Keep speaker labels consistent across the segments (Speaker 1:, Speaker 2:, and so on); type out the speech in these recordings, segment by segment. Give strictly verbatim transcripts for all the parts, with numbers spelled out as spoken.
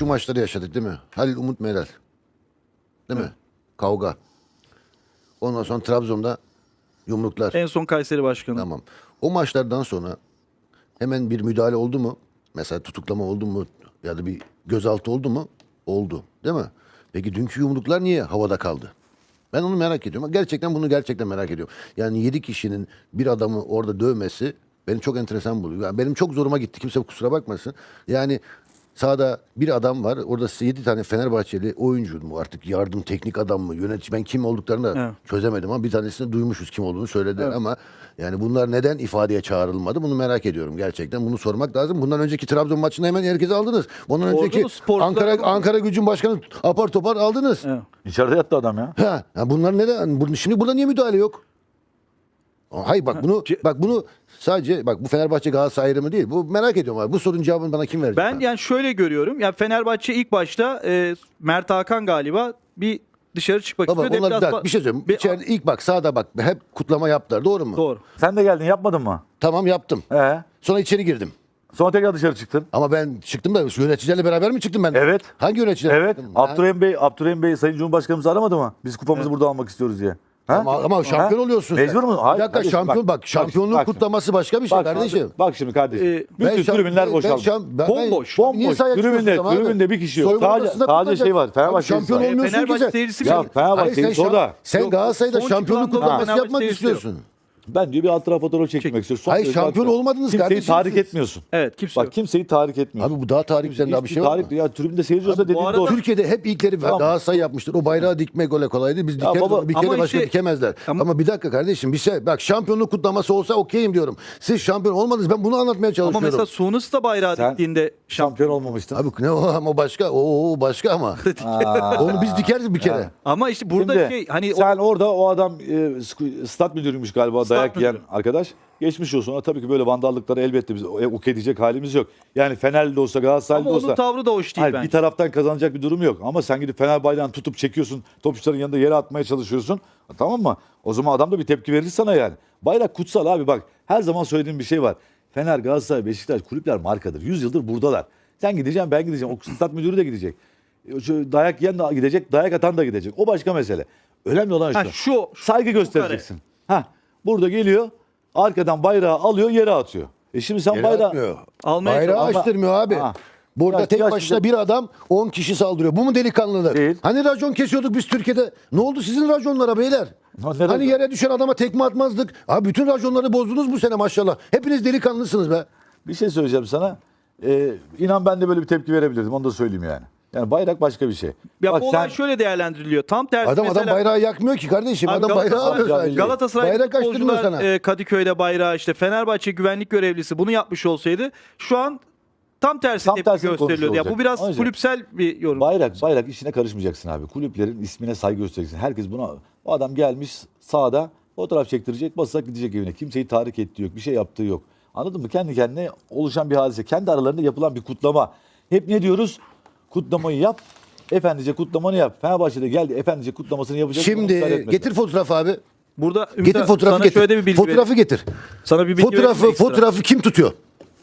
Speaker 1: şu maçları yaşadık değil mi? Halil Umut Meral. Değil mi?
Speaker 2: Evet.
Speaker 1: Kavga. Ondan sonra Trabzon'da yumruklar.
Speaker 2: En son Kayseri Başkanı.
Speaker 1: Tamam. O maçlardan sonra hemen bir müdahale oldu mu? Mesela tutuklama oldu mu? Ya da bir gözaltı oldu mu? Oldu. Değil mi? Peki dünkü yumruklar niye havada kaldı? Ben onu merak ediyorum. Gerçekten bunu gerçekten merak ediyorum. Yani yedi kişinin bir adamı orada dövmesi beni çok enteresan buluyor. Yani benim çok zoruma gitti. Kimse kusura bakmasın. Yani sahada bir adam var. Orada yedi tane Fenerbahçeli oyuncu mu artık yardım teknik adam mı yönetici ben kim olduklarını da
Speaker 2: Evet.
Speaker 1: çözemedim ama bir tanesini duymuşuz kim olduğunu söylediler
Speaker 2: Evet.
Speaker 1: ama yani bunlar neden ifadeye çağrılmadı bunu merak ediyorum gerçekten. Bunu sormak lazım. Bundan önceki Trabzon maçında hemen herkesi aldınız. Ondan
Speaker 2: Orada
Speaker 1: önceki
Speaker 2: da sporcular
Speaker 1: Ankara
Speaker 2: var.
Speaker 1: Ankara Gücü'nün başkanı apar topar aldınız.
Speaker 2: Evet.
Speaker 3: İçeride yattı adam ya.
Speaker 1: Ha, ha bunlar neden? Bu- Şimdi burada niye müdahale yok? Hayır bak bunu
Speaker 2: Ce-
Speaker 1: bak bunu sadece bak bu Fenerbahçe Galatasaray ayrımı değil. Bu merak ediyorum abi. Bu sorunun cevabını bana kim verecek?
Speaker 2: Ben
Speaker 1: abi?
Speaker 2: yani şöyle görüyorum. Yani Fenerbahçe ilk başta e, Mert Hakan galiba bir dışarı çıkmak
Speaker 1: Baba
Speaker 2: istiyor.
Speaker 1: onlar
Speaker 2: Deplasman-
Speaker 1: bir şey söyleyeyim.
Speaker 2: Bir-
Speaker 1: İçeride ilk bak sağda bak hep kutlama yaptılar. Doğru mu?
Speaker 2: Doğru.
Speaker 3: Sen de geldin yapmadın mı?
Speaker 1: Tamam yaptım.
Speaker 3: Ee?
Speaker 1: Sonra içeri girdim.
Speaker 3: Sonra tekrar dışarı çıktın.
Speaker 1: Ama ben çıktım da yöneticilerle beraber mi çıktım ben?
Speaker 3: Evet.
Speaker 1: Hangi yöneticiler?
Speaker 3: Evet.
Speaker 1: çıktım?
Speaker 3: Abdurrahim Bey, Abdurrahim Bey Sayın Cumhurbaşkanımızı aramadı mı? Biz kupamızı burada almak istiyoruz diye. Ha?
Speaker 1: Ama, ama şampiyon
Speaker 3: Ha?
Speaker 1: oluyorsun.
Speaker 3: Mecbur
Speaker 1: sen.
Speaker 3: mu? Hayır,
Speaker 1: Bir dakika
Speaker 3: kardeşim,
Speaker 1: şampiyon bak,
Speaker 3: bak,
Speaker 1: şampiyonluğun
Speaker 3: bak,
Speaker 1: kutlaması başka bir şey
Speaker 3: Bak,
Speaker 1: kardeşim.
Speaker 3: bak şimdi kardeşim.
Speaker 2: Ee,
Speaker 3: Bütün
Speaker 1: şam-
Speaker 3: tribünler
Speaker 1: ben
Speaker 3: boşaldı.
Speaker 1: şam- ben-
Speaker 2: Bomboş.
Speaker 1: ben- niye
Speaker 3: Bomboş.
Speaker 1: sahaya
Speaker 3: Tribünde,
Speaker 1: çıkıyorsun abi?
Speaker 3: tribünde bir kişi yok.
Speaker 1: Soyunma
Speaker 3: Sadece,
Speaker 1: odasında
Speaker 3: sadece
Speaker 1: kutlayacak.
Speaker 3: şey var.
Speaker 1: Abi
Speaker 3: Fenerbahçe
Speaker 1: şampiyon
Speaker 3: seyircisi var.
Speaker 1: olmuyorsun ki
Speaker 2: Fenerbahçe
Speaker 1: sen.
Speaker 2: seyircisi
Speaker 3: Ya
Speaker 2: bile-
Speaker 3: Fenerbahçe
Speaker 1: Hayır, sen,
Speaker 3: seyircisi
Speaker 1: şam-
Speaker 3: orada.
Speaker 1: sen
Speaker 2: Yok,
Speaker 1: Galatasaray'da
Speaker 2: son
Speaker 1: şampiyonluk
Speaker 2: çıkılan
Speaker 1: kutlaması
Speaker 2: Fenerbahçe
Speaker 1: yapmak
Speaker 2: seyircisi yok.
Speaker 1: istiyorsun.
Speaker 3: Ben diyor bir alt tarafa fotoğraf çekmek istiyorum. Son
Speaker 1: Hayır,
Speaker 3: derece
Speaker 1: şampiyon
Speaker 3: haklı.
Speaker 1: olmadınız
Speaker 3: Kimseyi
Speaker 1: kardeşim
Speaker 3: tahrik
Speaker 1: siz.
Speaker 3: etmiyorsun.
Speaker 2: Evet kimse
Speaker 3: Bak
Speaker 2: yok.
Speaker 3: kimseyi tahrik etmiyorsun.
Speaker 1: Abi bu daha tarih üzerinde daha bir
Speaker 3: Hiçbir
Speaker 1: şey yok
Speaker 3: tahrik-
Speaker 1: mu?
Speaker 3: Ya tribünde seyirci olsa
Speaker 2: bu
Speaker 3: dediğin
Speaker 2: arada-
Speaker 3: doğru.
Speaker 1: Türkiye'de hep ilkleri
Speaker 3: Tamam.
Speaker 1: Galatasaray yapmıştır. O bayrağı dikmek öyle kolay değil. Biz dikeriz
Speaker 3: baba,
Speaker 1: onu bir
Speaker 2: ama
Speaker 1: kere başka
Speaker 2: işte-
Speaker 1: dikemezler.
Speaker 2: Ama-
Speaker 1: Ama, bir dakika kardeşim bir şey bak şampiyonluk kutlaması olsa okeyim diyorum. Siz şampiyon olmadınız ben bunu anlatmaya
Speaker 2: Ama
Speaker 1: çalışıyorum.
Speaker 2: mesela Sunus da bayrağı
Speaker 3: Sen
Speaker 2: diktiğinde
Speaker 3: şampiyon olmamıştın.
Speaker 1: Abi ne o ama başka o, o başka ama. Onu biz dikeriz bir kere.
Speaker 3: Ha.
Speaker 2: ama işte burada
Speaker 3: Şimdi
Speaker 2: şey hani o-
Speaker 3: sen orada o adam e, sku- stat müdürüymüş galiba
Speaker 2: Stat
Speaker 3: dayak yiyen
Speaker 2: müdürü.
Speaker 3: arkadaş. Geçmiş olsun. Ona tabii ki böyle vandallıkları elbette biz ok edecek halimiz yok. Yani Fenerli de olsa Galatasaraylı
Speaker 2: ama
Speaker 3: da
Speaker 2: onun
Speaker 3: olsa.
Speaker 2: tavrı da hoş değil
Speaker 3: Hayır,
Speaker 2: bence.
Speaker 3: bir taraftan kazanacak bir durum yok. Ama sen gidip Fener bayrağını tutup çekiyorsun. Topçuların yanında yere atmaya çalışıyorsun. Tamam mı? O zaman adam da bir tepki verir sana yani. Bayrak kutsal abi bak. Her zaman söylediğim bir şey var. Fener, Galatasaray, Beşiktaş kulüpler markadır. yüz yıldır buradalar. Sen gideceksin ben gideceğim. O stat müdürü de gidecek. Şu dayak yiyen de gidecek. Dayak atan da gidecek. O başka mesele. Önemli olan
Speaker 2: Ha,
Speaker 3: şu.
Speaker 2: şu
Speaker 3: Saygı göstereceksin. Ha, burada geliyor. Arkadan bayrağı alıyor yere atıyor. E şimdi sen
Speaker 1: Yere
Speaker 3: bayrağı...
Speaker 1: atmıyor.
Speaker 2: Almaya
Speaker 1: Bayrağı
Speaker 3: çalışıyor.
Speaker 1: açtırmıyor abi.
Speaker 3: Ha.
Speaker 1: Burada
Speaker 3: Ya-
Speaker 1: tek
Speaker 3: ya
Speaker 1: başına
Speaker 3: şimdi-
Speaker 1: bir adam on kişi saldırıyor. Bu mu delikanlılık?
Speaker 3: Değil.
Speaker 1: Hani racon kesiyorduk biz Türkiye'de? Ne oldu sizin raconlara beyler?
Speaker 3: Ha, ne
Speaker 1: Hani
Speaker 3: racon?
Speaker 1: yere düşen adama tekme atmazdık. Abi bütün raconları bozdunuz bu sene maşallah. Hepiniz delikanlısınız be.
Speaker 3: Bir şey söyleyeceğim sana. Ee, inan ben de böyle bir tepki verebilirdim. Onu da söyleyeyim yani. Yani bayrak başka bir şey.
Speaker 2: ya
Speaker 3: Bak
Speaker 2: bu olay
Speaker 3: sen
Speaker 2: şöyle değerlendiriliyor. Tam tersi
Speaker 1: Adam
Speaker 2: mesela
Speaker 1: adam bayrağı yakmıyor ki kardeşim.
Speaker 2: Abi
Speaker 1: adam bayrağı
Speaker 2: Galatasaray-
Speaker 1: alıyor sadece.
Speaker 2: Galatasaray
Speaker 1: Bayrak açtırmıyor
Speaker 2: futbolcular
Speaker 1: sana.
Speaker 2: e, Kadıköy'de bayrağı işte Fenerbahçe güvenlik görevlisi bunu yapmış olsaydı şu an tam tersi
Speaker 3: Tam
Speaker 2: tepki
Speaker 3: tersini
Speaker 2: gösteriliyordu. Ya bu
Speaker 3: konuşuyor
Speaker 2: biraz
Speaker 3: olacak.
Speaker 2: kulüpsel bir yorum.
Speaker 3: bayrak bayrak işine karışmayacaksın abi. Kulüplerin ismine saygı göstereceksin. Herkes buna o adam gelmiş sahada fotoğraf çektirecek, basacak gidecek evine. Kimseyi tahrik ettiği yok, bir şey yaptığı yok. Anladın mı? Kendi kendine oluşan bir hadise. Kendi aralarında yapılan bir kutlama. Hep ne diyoruz? Kutlamayı yap. Efendice kutlamanı yap. Fenerbahçe'de geldi. Efendice kutlamasını yapacak. Buna müsaade
Speaker 1: Şimdi
Speaker 3: etmediler.
Speaker 1: getir fotoğrafı abi.
Speaker 2: Burada Ümit
Speaker 1: Getir
Speaker 2: abi,
Speaker 1: fotoğrafı
Speaker 2: sana
Speaker 1: getir.
Speaker 2: şöyle bir bilgi
Speaker 1: Fotoğrafı
Speaker 2: vereyim.
Speaker 1: getir.
Speaker 2: Sana bir bilgi vereyim
Speaker 1: Fotoğrafı
Speaker 2: mi ekstra?
Speaker 1: fotoğrafı kim tutuyor?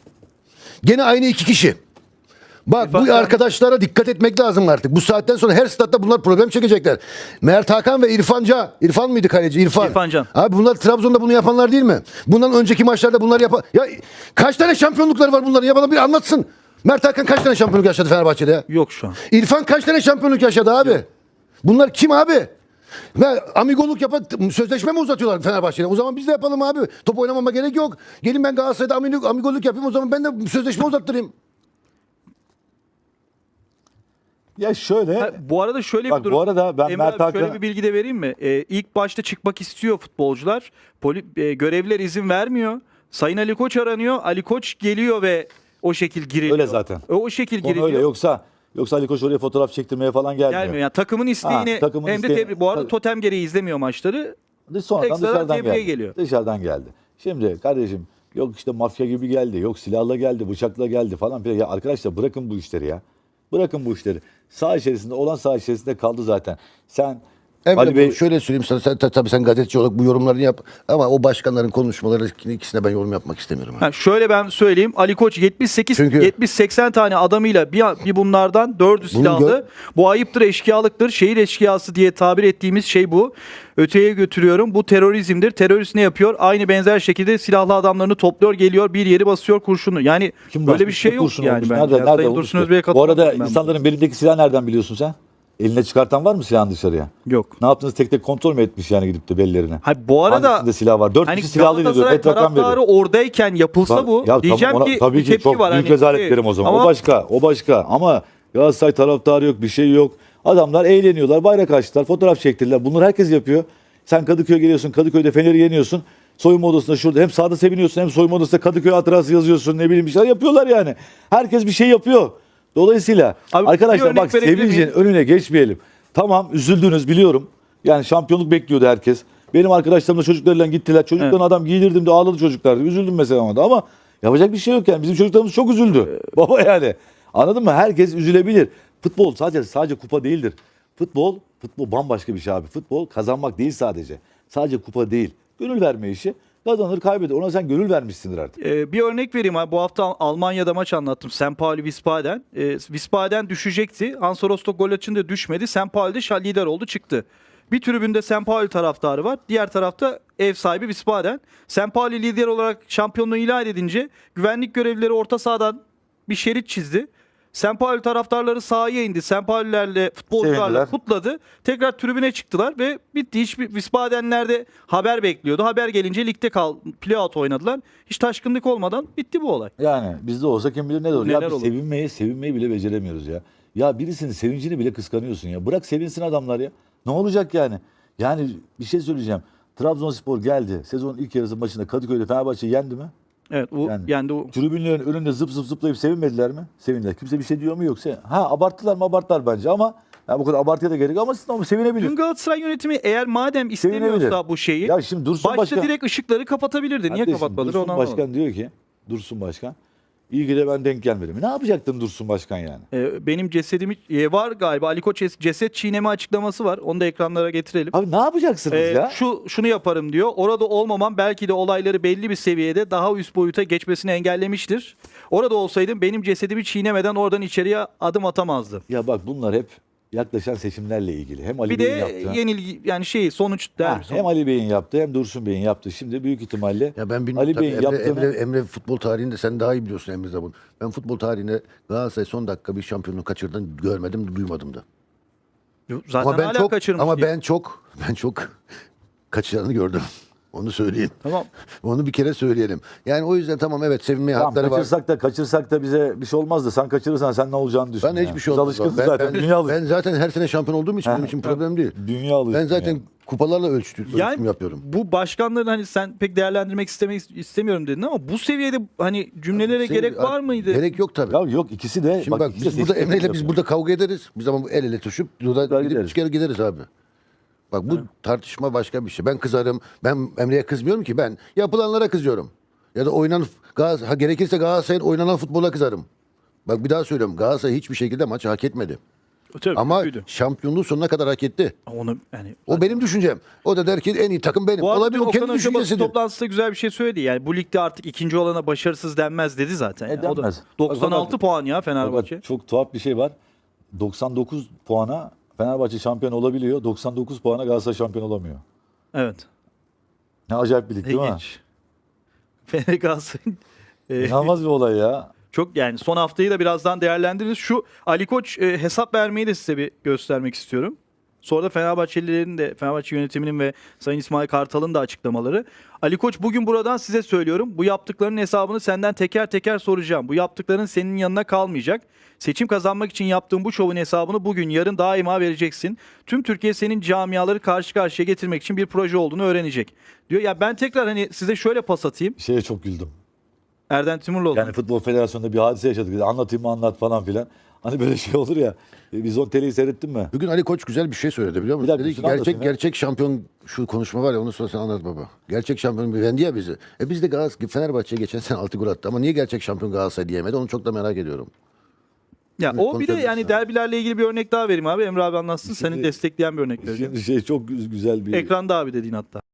Speaker 1: Gene aynı iki kişi. Bak
Speaker 2: İrfan
Speaker 1: bu
Speaker 2: Can-
Speaker 1: arkadaşlara dikkat etmek lazım artık. Bu saatten sonra her statta bunlar problem çekecekler. Mert Hakan ve İrfan Can. İrfan mıydı kaleci? İrfan.
Speaker 2: İrfan Can.
Speaker 1: Abi bunlar Trabzon'da bunu yapanlar değil mi? Bundan önceki maçlarda bunlar yapan... Ya kaç tane şampiyonlukları var bunların? Ya bana bir anlatsın. Mert Hakan kaç tane şampiyonluk yaşadı Fenerbahçe'de ya?
Speaker 2: Yok şu an.
Speaker 1: İrfan kaç tane şampiyonluk yaşadı abi? Bunlar kim abi? Ve amigoluk yapan sözleşme mi uzatıyorlar Fenerbahçe'yle? O zaman biz de yapalım abi. Top oynamama gerek yok. Gelin ben Galatasaray'da amigoluk, amigoluk yapayım o zaman ben de sözleşme uzattırayım.
Speaker 3: Ya şöyle.
Speaker 2: Ha, bu arada şöyle
Speaker 3: Bak,
Speaker 2: bir durum.
Speaker 3: bu arada ben
Speaker 2: Emre
Speaker 3: Mert
Speaker 2: abi şöyle
Speaker 3: Hakan'a-
Speaker 2: bir bilgi de vereyim mi? Ee, ilk başta çıkmak istiyor futbolcular. Poli, e, görevliler izin vermiyor. Sayın Ali Koç aranıyor. Ali Koç geliyor ve o şekil giriliyor.
Speaker 3: Öyle zaten.
Speaker 2: O, o şekil
Speaker 3: Konu
Speaker 2: giriliyor.
Speaker 3: öyle yoksa yoksa Ali Koç oraya fotoğraf çektirmeye falan gelmiyor.
Speaker 2: Gelmiyor. Yani takımın isteğini
Speaker 3: Ha, takımın
Speaker 2: hem de
Speaker 3: isteğini-
Speaker 2: tebrik. Bu arada
Speaker 3: tabii.
Speaker 2: totem gereği izlemiyor maçları.
Speaker 3: Sonradan
Speaker 2: Ekstradan
Speaker 3: dışarıdan
Speaker 2: tebriğe
Speaker 3: geldi.
Speaker 2: geliyor.
Speaker 3: Dışarıdan geldi. Şimdi kardeşim yok işte mafya gibi geldi, yok silahla geldi, bıçakla geldi falan filan. Ya arkadaşlar bırakın bu işleri ya. Bırakın bu işleri. Saha içerisinde olan saha içerisinde kaldı zaten. Sen
Speaker 1: Evet,
Speaker 3: Ali Bey
Speaker 1: şöyle söyleyeyim sana, sen, tabii sen gazeteci olarak bu yorumlarını yap ama o başkanların konuşmaları ikisine ben yorum yapmak istemiyorum.
Speaker 2: Ha, şöyle ben söyleyeyim. Ali Koç yetmiş sekiz
Speaker 1: Çünkü-
Speaker 2: yetmiş seksen tane adamıyla bir, bir bunlardan dördü silahlı.
Speaker 1: gör-
Speaker 2: Bu ayıptır, eşkıyalıktır. Şehir eşkıyası diye tabir ettiğimiz şey bu. Öteye götürüyorum. Bu terörizmdir. Terörist ne yapıyor? Aynı benzer şekilde silahlı adamlarını topluyor, geliyor, bir yeri basıyor kurşunu. Yani
Speaker 3: kim
Speaker 2: böyle
Speaker 3: basmış?
Speaker 2: bir şey
Speaker 3: Ne
Speaker 2: yok
Speaker 3: kurşun
Speaker 2: yani.
Speaker 3: olmuş?
Speaker 2: bence.
Speaker 3: Nerede,
Speaker 2: Yani
Speaker 3: nerede
Speaker 2: Sayın
Speaker 3: olmuş?
Speaker 2: Dursun Özbey'e
Speaker 3: Bu arada
Speaker 2: katılıyorum ben
Speaker 3: insanların belindeki silah nereden biliyorsun sen? Eline çıkartan var mı silahın dışarıya?
Speaker 2: buna. Yok.
Speaker 3: Ne yaptınız, tek tek kontrol mü etmiş yani gidip de bellerine?
Speaker 2: Hayır, bu arada
Speaker 3: Hangisinde silah var? Dört
Speaker 2: hani
Speaker 3: kişi silahlıydı diyor.
Speaker 2: Galatasaray
Speaker 3: Et rakam
Speaker 2: taraftarı
Speaker 3: veriyor.
Speaker 2: oradayken yapılsa
Speaker 3: Bak,
Speaker 2: bu
Speaker 3: ya
Speaker 2: diyeceğim
Speaker 3: tamam, ona-
Speaker 2: ki
Speaker 3: tabii
Speaker 2: bir
Speaker 3: ki
Speaker 2: tepki
Speaker 3: çok
Speaker 2: var.
Speaker 3: büyük
Speaker 2: Hani,
Speaker 3: rezalet
Speaker 2: e,
Speaker 3: derim o zaman.
Speaker 2: ama
Speaker 3: O başka, o başka. Ama Galatasaray taraftarı yok, bir şey yok. Adamlar eğleniyorlar, bayrak açtılar, fotoğraf çektirdiler. Bunları herkes yapıyor. Sen Kadıköy'e geliyorsun, Kadıköy'de Fener'i yeniyorsun. Soyunma odasında şurada hem sahada seviniyorsun hem soyunma odasında Kadıköy hatırası yazıyorsun, ne bileyim bir şeyler yapıyorlar yani. Herkes bir şey yapıyor. Dolayısıyla
Speaker 2: Abi, bir
Speaker 3: arkadaşlar
Speaker 2: örnek
Speaker 3: bak,
Speaker 2: verebilir
Speaker 3: sevincin
Speaker 2: miyim?
Speaker 3: önüne geçmeyelim. Tamam, üzüldünüz biliyorum. Yani şampiyonluk bekliyordu herkes. Benim arkadaşlarım da çocuklarıyla gittiler. Çocuklarına
Speaker 2: Evet.
Speaker 3: adam giydirdim de ağladı çocuklar. Üzüldüm mesela ama da. Ama yapacak bir şey yok yani. Bizim çocuklarımız çok üzüldü. Baba yani. Anladın mı? Herkes üzülebilir. Futbol sadece sadece kupa değildir. Futbol, futbol bambaşka bir şey abi. Futbol kazanmak değil sadece. Sadece kupa değil. Gönül verme işi. Kazanır kaybeder. Ona sen gönül vermişsindir artık.
Speaker 2: Ee, bir örnek vereyim abi. Bu hafta Almanya'da maç anlattım. Sankt Pauli Wiesbaden. Ee, Wiesbaden düşecekti. Hansa Rostock gol atınca düşmedi. Sankt Pauli'de şal lider oldu, çıktı. Bir tribünde Sankt Pauli taraftarı var. Diğer tarafta ev sahibi Wiesbaden. Sankt Pauli lider olarak şampiyonluğu ilan edince güvenlik görevlileri orta sahadan bir şerit çizdi. Sankt Pauli taraftarları sahaya indi. Sankt Paulilerle, futbolcularla
Speaker 3: Sevindiler.
Speaker 2: kutladı. Tekrar tribüne çıktılar ve bitti. Hiçbir Wiesbadenler de haber bekliyordu. Haber gelince ligde kal, playout oynadılar. Hiç taşkınlık olmadan bitti bu olay.
Speaker 3: Yani bizde olsa kim bilir ne olur.
Speaker 2: Neler
Speaker 3: Ya biz
Speaker 2: olur?
Speaker 3: sevinmeyi, sevinmeyi bile beceremiyoruz ya. Ya birisinin sevincini bile kıskanıyorsun ya. Bırak sevinsin adamlar ya. Ne olacak yani? Yani bir şey söyleyeceğim. Trabzonspor geldi. Sezonun ilk yarısı maçında Kadıköy'de Fenerbahçe'yi yendi mi?
Speaker 2: Evet, o
Speaker 3: Yani-
Speaker 2: yani o
Speaker 3: Tribünlerin önünde zıp zıp zıplayıp sevinmediler mi? Sevindiler. Kimse bir şey diyor mu yoksa? Ha, abarttılar mı? Abarttılar bence ama ya bu kadar abartıya da gerek yok ama, ama sevinebilir.
Speaker 2: dün Galatasaray yönetimi eğer madem
Speaker 3: Sevinebilir.
Speaker 2: istemiyorsa bu şeyi
Speaker 3: Ya şimdi Dursun
Speaker 2: başta
Speaker 3: Başkan...
Speaker 2: direkt ışıkları kapatabilirdi. Niye
Speaker 3: Kardeşim,
Speaker 2: kapatmadı?
Speaker 3: Dursun
Speaker 2: Onu anlamadım.
Speaker 3: Başkan diyor ki, Dursun Başkan, iyi ki de ben denk gelmedim. Ne yapacaktın Dursun Başkan yani?
Speaker 2: Ee, benim cesedimi e, var galiba. Ali Koç ces- ceset çiğneme açıklaması var. Onu da ekranlara getirelim.
Speaker 3: Abi ne yapacaksınız
Speaker 2: Ee,
Speaker 3: ya?
Speaker 2: şu şunu yaparım diyor. Orada olmamam belki de olayları belli bir seviyede daha üst boyuta geçmesini engellemiştir. Orada olsaydım benim cesedimi çiğnemeden oradan içeriye adım atamazdı.
Speaker 3: Ya bak, bunlar hep yaklaşan seçimlerle ilgili. Hem Ali
Speaker 2: Bir
Speaker 3: Bey'in
Speaker 2: de
Speaker 3: yaptığı,
Speaker 2: yenilgi yani şey sonuç
Speaker 3: Ha,
Speaker 2: der.
Speaker 3: hem Ali Bey'in yaptığı hem Dursun Bey'in yaptığı. Şimdi büyük ihtimalle
Speaker 1: Ya ben bilmiyorum
Speaker 3: Ali
Speaker 1: tabii,
Speaker 3: Bey'in
Speaker 1: Emre,
Speaker 3: yaptığını...
Speaker 1: Emre, Emre futbol tarihinde sen daha iyi biliyorsun Emre Zabun. Ben futbol tarihinde Galatasaray son dakika bir şampiyonluğu kaçırdığını görmedim, duymadım da.
Speaker 2: Zaten
Speaker 1: Ama ben
Speaker 2: hala
Speaker 1: çok
Speaker 2: kaçırmış
Speaker 1: ama
Speaker 2: diye.
Speaker 1: ben çok ben çok kaçıranı gördüm. Onu söyleyeyim.
Speaker 2: Tamam.
Speaker 1: Onu bir kere söyleyelim. Yani o yüzden tamam, evet, sevinmeye
Speaker 3: Tamam,
Speaker 1: hakları var.
Speaker 3: kaçırsak da kaçırsak da bize bir şey olmaz da sen kaçırırsan sen ne olacağını düşün.
Speaker 1: Ben
Speaker 3: yani.
Speaker 1: hiçbir şey
Speaker 3: Biz
Speaker 1: olmaz.
Speaker 3: alışkınız
Speaker 1: Ben,
Speaker 3: zaten.
Speaker 1: ben,
Speaker 3: dünya alışkın.
Speaker 1: ben zaten her sene şampiyon olduğum için
Speaker 3: Ha,
Speaker 1: benim için problem değil.
Speaker 3: Dünya alışkın.
Speaker 1: Ben zaten
Speaker 3: yani.
Speaker 1: kupalarla ölçtü, ölçüm
Speaker 2: Yani
Speaker 1: yapıyorum.
Speaker 2: bu başkanların hani sen pek değerlendirmek istemek istemiyorum dedin ama bu seviyede hani cümlelere
Speaker 1: Senin-
Speaker 2: gerek var mıydı?
Speaker 1: Gerek yok tabii.
Speaker 3: Ya yok, ikisi de...
Speaker 1: Şimdi bak,
Speaker 3: ikisi de
Speaker 1: biz burada
Speaker 3: seçim
Speaker 1: Emre'yle biz
Speaker 3: yapıyor.
Speaker 1: burada kavga ederiz. Biz ama el ele tutuşup burada
Speaker 3: Güzel
Speaker 1: gidip
Speaker 3: gideriz.
Speaker 1: çıkar gideriz abi. Bak bu tartışma başka bir şey. Ben kızarım. Ben Emre'ye kızmıyorum ki, ben yapılanlara kızıyorum. Ya da oynanan Galatasaray, ha, gerekirse Galatasaray'ın oynanan futbola kızarım. Bak bir daha söylüyorum. Galatasaray hiçbir şekilde maçı hak etmedi.
Speaker 2: Tabii,
Speaker 1: Ama
Speaker 2: kötüydü.
Speaker 1: şampiyonluğu sonuna kadar hak etti.
Speaker 2: Onu yani
Speaker 1: O benim düşüncem. O da der ki en iyi takım benim.
Speaker 2: bu arada
Speaker 1: Olabilir, o
Speaker 2: Okan
Speaker 1: kendi
Speaker 2: Hoca basın
Speaker 1: düşüncesidir.
Speaker 2: toplantısında güzel bir şey söyledi. Yani bu ligde artık ikinci olana başarısız denmez dedi zaten.
Speaker 3: E,
Speaker 2: yani. O da
Speaker 3: denmez.
Speaker 2: doksan altı
Speaker 3: Bak,
Speaker 2: puan ya
Speaker 3: Fakat
Speaker 2: Fenerbahçe.
Speaker 3: çok tuhaf bir şey var. doksan dokuz puana Fenerbahçe şampiyon olabiliyor. doksan dokuz puana Galatasaray şampiyon olamıyor.
Speaker 2: Evet.
Speaker 3: Ne acayip bir lig değil mi?
Speaker 2: İlginç. Fener Galatasaray'ın e,
Speaker 3: İnanılmaz bir olay ya.
Speaker 2: çok yani son haftayı da birazdan değerlendiririz. Şu Ali Koç e, hesap vermeyi de size bir göstermek istiyorum. Sonra da Fenerbahçelilerin de Fenerbahçe yönetiminin ve Sayın İsmail Kartal'ın da açıklamaları. Ali Koç, bugün buradan size söylüyorum. Bu yaptıklarının hesabını senden teker teker soracağım. Bu yaptıkların senin yanına kalmayacak. Seçim kazanmak için yaptığın bu şovun hesabını bugün, yarın daima vereceksin. Tüm Türkiye senin camiaları karşı karşıya getirmek için bir proje olduğunu öğrenecek. Diyor ya, ben tekrar hani size şöyle pas atayım.
Speaker 3: Şeye çok güldüm.
Speaker 2: Erden Timurluoğlu.
Speaker 3: Yani Futbol Federasyonu'nda bir hadise yaşadık. Anlatayım mı anlat falan filan. Hani böyle şey olur ya. E, Vizyon Tele'yi seyrettin mi?
Speaker 1: Bugün Ali Koç güzel bir şey söyledi, biliyor musun?
Speaker 3: Bir dakika,
Speaker 1: Dedi ki
Speaker 3: şunu anlatayım
Speaker 1: gerçek
Speaker 3: ya.
Speaker 1: gerçek şampiyon, şu konuşma var ya, onu sonra sen anlat baba. Gerçek şampiyon güvendi ya bizi. E biz de Galatasaray Fenerbahçe'ye geçen sene altı gol attı ama niye gerçek şampiyon Galatasaray diyemedi, onu çok da merak ediyorum.
Speaker 2: Ya
Speaker 1: Evet,
Speaker 2: o bir de
Speaker 1: konuşabiliriz
Speaker 2: yani
Speaker 1: abi.
Speaker 2: derbilerle ilgili bir örnek daha vereyim abi. Emre abi anlatsın. Seni
Speaker 3: Şimdi-
Speaker 2: destekleyen bir örnek vereceğim.
Speaker 3: Şimdi şey çok gü- güzel bir
Speaker 2: Ekranda abi dediğin hatta.